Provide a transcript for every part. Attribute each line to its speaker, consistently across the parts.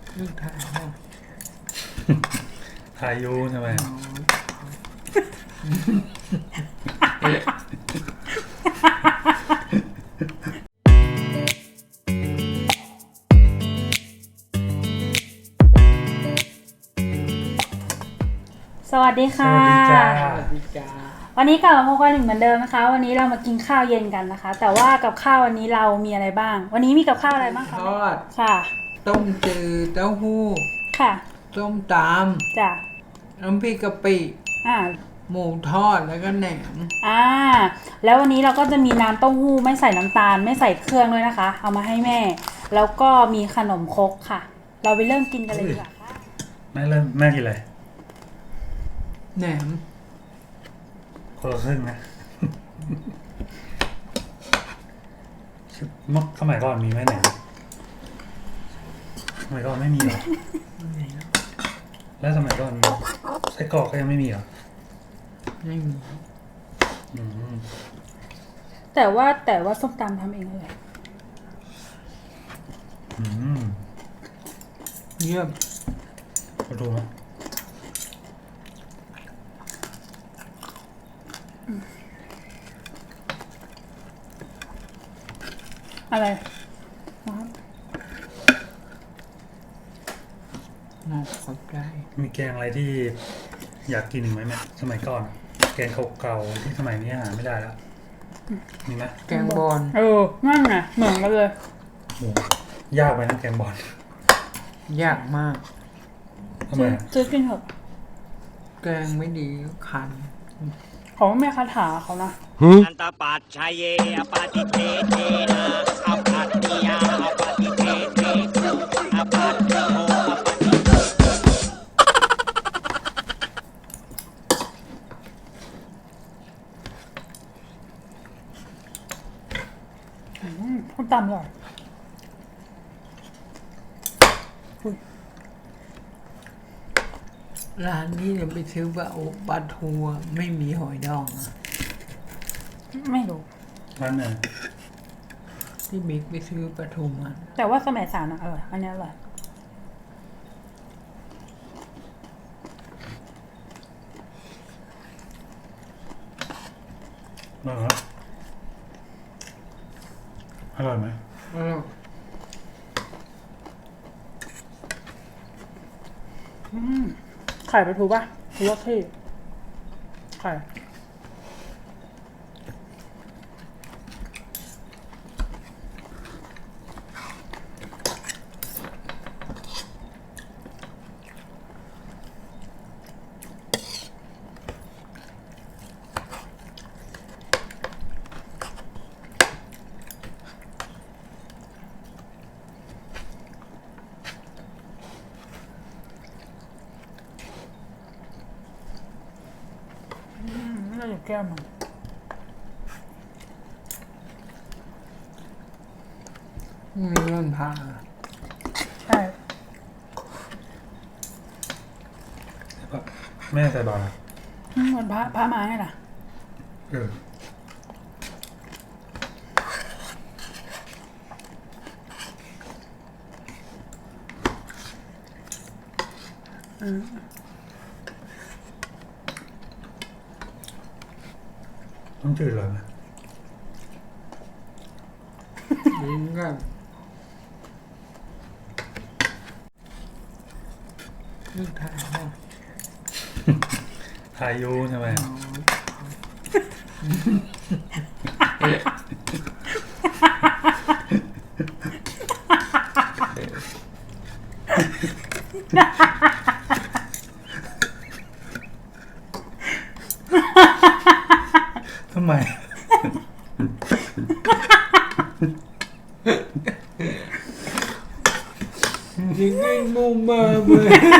Speaker 1: ลูกถ่ายนะ
Speaker 2: ถ่ายยูใช่ไหม
Speaker 3: สวัสดีค่ะ
Speaker 2: สวัสดีจ้า
Speaker 1: สวัสดีจ้า
Speaker 3: วันนี้กลับมาพบกันอีกเหมือนเดิมนะคะ วันนี้เรามากินข้าวเย็นกันนะคะ แต่ว่ากับข้าววันนี้เรามีอะไรบ้าง วันนี้มีกับข้าวอะไรบ้าง
Speaker 1: ท
Speaker 3: คะ
Speaker 1: อด
Speaker 3: ค่ะ
Speaker 1: ต้มจืดเต้าหู้
Speaker 3: ค่ะ
Speaker 1: ต้มต
Speaker 3: จ้ะ
Speaker 1: ำน้ำพริกกะปิ
Speaker 3: อ่า
Speaker 1: หมูทอดแล้วก็แหนม
Speaker 3: แล้ววันนี้เราก็จะมีน้ำเต้าหู้ไม่ใส่น้ำตาลไม่ใส่เครื่องด้วยนะคะ เอามาให้แม่ แล้วก็มีขนมครกค่ะ เราไปเริ่มกินกันเลยดีกว่าค่ะ
Speaker 2: แม่กินอะไร
Speaker 1: แหนม
Speaker 2: คนละครึ่งนะ เมื่อสมัยก่อนมีไหมไหนสมัยก่อนไม่มีเหรอ แล้วสมัยก่อนไส้กรอกก็ยังไม่มีเหรอ
Speaker 1: ไม่มี
Speaker 2: อืม
Speaker 3: แต่ว่าส้มตำทำเองเลย
Speaker 2: อืม
Speaker 1: เยี่ยม
Speaker 2: มาดูไหม
Speaker 3: อะไร
Speaker 1: น่าขอบใจ
Speaker 2: มีแกงอะไรที่อยากกินอีกไหมเนี่ยสมัยก่อนแกงเก่าๆที่สมัยนี้หาไม่ได้แล้วมีไหม
Speaker 1: แกงบอล
Speaker 3: นั่นไงเหมือนกันเลย
Speaker 2: โอ้ยากไปนะแกงบอล
Speaker 1: ยากมาก
Speaker 2: ทำไมอะ
Speaker 3: ซื้อกินเถอะ
Speaker 1: แกงไม่ดีคัน
Speaker 3: เขาไม่คาถาเขานะ
Speaker 4: อันตปัจชัยเยอปาติเทเทนะอปัตติยาอปาติเทเทอปัตติโมอปาติ
Speaker 3: ส้มตำอร่อย
Speaker 1: ร้านนี้เนี่ยไปซื้อปลาทูอะไม่มีหอยดองอะ
Speaker 3: ไม่รู้
Speaker 2: ร้านไหน
Speaker 1: ที่บิ๊กไปซื้อปลาทูมา
Speaker 3: แต่ว่าสมัยสามนะอร่อย อันนี้อร่อย
Speaker 2: อร่อยไหม
Speaker 3: ไข่ปลาทูป่ะหรือว่าที่ไข่ น่าจะแก้มมัน
Speaker 1: มีเรื่องพา
Speaker 3: ใช่
Speaker 2: แม่ใส่บาตรอะ
Speaker 3: มันพระมาไงล่ะ
Speaker 2: เออ ต้องจืดเลยไหม
Speaker 1: ลิ้นก็ลูกถ่ายนะ
Speaker 2: ถ่ายยูใช่ไหม ทำไม
Speaker 1: ยิงให้มุมมาเลย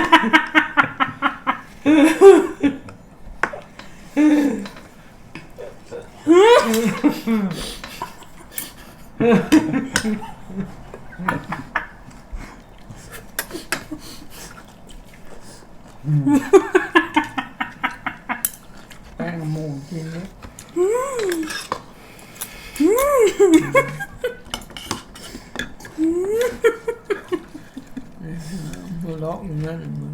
Speaker 1: แป้งหมูกินเลยหัวเราะอย่างนั้นเหรอมึง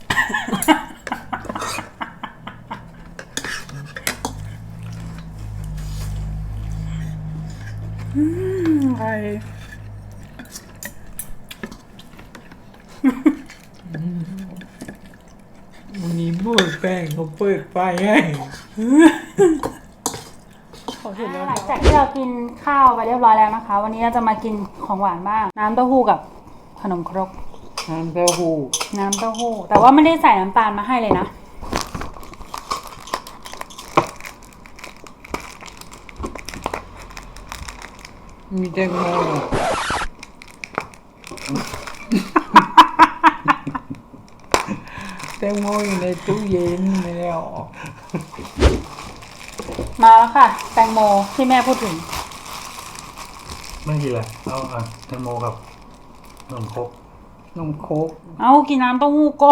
Speaker 3: ใคร
Speaker 1: วันนี้พูดแป้งเขาเปิดไฟให้
Speaker 3: หลังจากที่เรากินข้าวไปเรียบร้อยแล้วนะคะ วันนี้เราจะมากินของหวานบ้าง น้ำเต้าหู้กับขนมครก
Speaker 1: น้ำเต้าหู้
Speaker 3: น้ำเต้าหู้ แต่ว่าไม่ได้ใส่น้ำตาลมาให้เลยนะ
Speaker 1: มีแตงโมแตงโมอยู่ในตู้เย็นไม่ได้เอาออก
Speaker 3: มาแล้วค่ะ แตงโมที่แม่พูดถึง
Speaker 2: ไม่กินอะไรเอาแตงโมกับนมครก
Speaker 1: นมโค้ก
Speaker 3: เอากินน้ำเต้าหู้ก่อน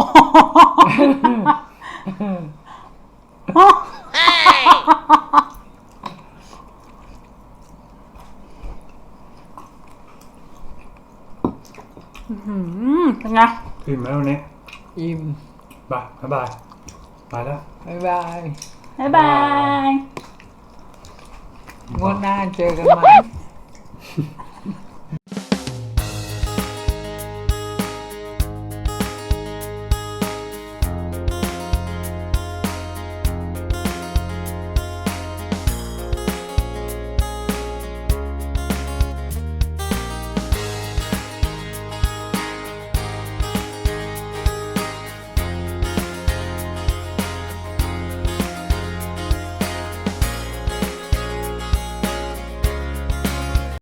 Speaker 3: เป็นไง
Speaker 2: กินไหมวันนี้
Speaker 1: อิ่ม
Speaker 2: บายบายไปแล้ว
Speaker 1: บ๊ายบาย
Speaker 3: บ๊ายบาย
Speaker 1: งวดหน้าเจอกันใหม่